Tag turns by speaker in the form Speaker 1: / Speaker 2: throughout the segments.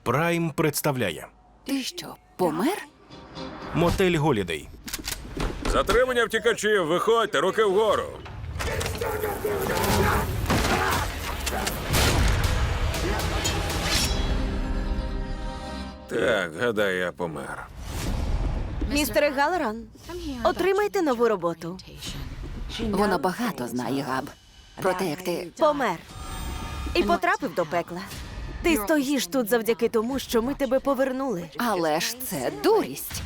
Speaker 1: Прайм представляє
Speaker 2: Ти що, помер?
Speaker 1: Мотель Голідей.
Speaker 3: Затримання втікачів, виходьте, руки вгору. Так, гадаю, я помер.
Speaker 4: Містере Галлоран, отримайте нову роботу.
Speaker 2: Вона багато знає, Габ. Про те, як ти...
Speaker 4: Помер. І потрапив до пекла. Ти стоїш тут завдяки тому, що ми тебе повернули.
Speaker 2: Але ж це дурість.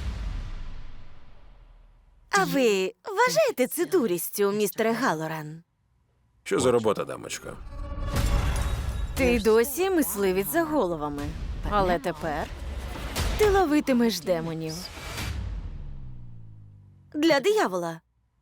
Speaker 4: А ви вважаєте це дурістю, містере Галлоран?
Speaker 3: Що за робота, дамочко?
Speaker 4: Ти досі мисливець за головами. Але тепер ти ловитимеш демонів. Для диявола.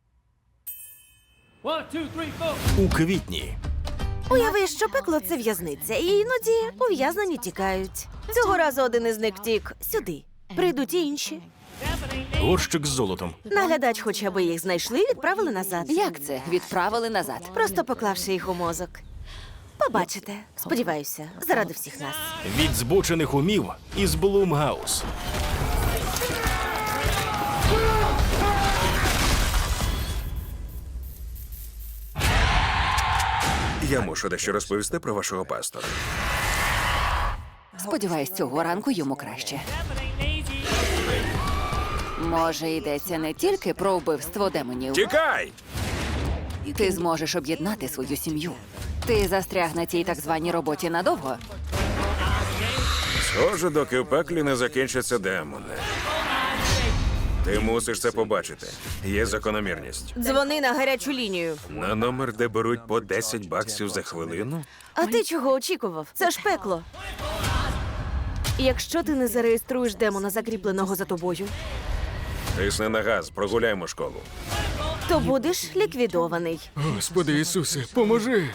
Speaker 1: У квітні.
Speaker 4: Уяви, що пекло – це в'язниця, і іноді ув'язнені тікають. Цього разу один із них втік сюди. Прийдуть і інші.
Speaker 1: Горщик з золотом.
Speaker 4: Наглядач хоче, аби їх знайшли і відправили назад.
Speaker 2: Як це? Відправили назад.
Speaker 4: Просто поклавши їх у мозок. Побачите. Сподіваюся, заради всіх нас.
Speaker 1: Від збочених умів із Блумгаус.
Speaker 3: Я мушу дещо розповісти про вашого пастора.
Speaker 2: Сподіваюсь, цього ранку йому краще. Може, йдеться не тільки про вбивство демонів.
Speaker 3: Тікай!
Speaker 2: Ти зможеш об'єднати свою сім'ю. Ти застряг на цій так званій роботі надовго.
Speaker 3: Схоже, доки в пеклі не закінчаться демони. Ти мусиш це побачити. Є закономірність.
Speaker 4: Дзвони на гарячу лінію.
Speaker 3: На номер, де беруть по 10 баксів за хвилину?
Speaker 4: А ти чого очікував? Це ж пекло. Якщо ти не зареєструєш демона, закріпленого за тобою,
Speaker 3: Тисни на газ, прогуляємо школу.
Speaker 4: то будеш ліквідований.
Speaker 5: Господи Ісусе, поможи!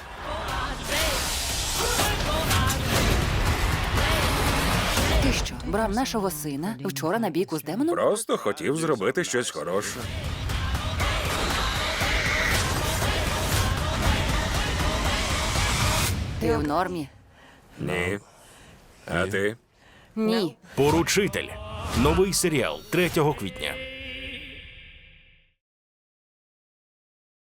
Speaker 2: Ти що, брав нашого сина вчора на бійку з демоном?
Speaker 3: Просто хотів зробити щось хороше.
Speaker 2: Ти в нормі?
Speaker 3: Ні. А ти?
Speaker 2: Ні.
Speaker 1: Поручитель. Новий серіал 3 квітня.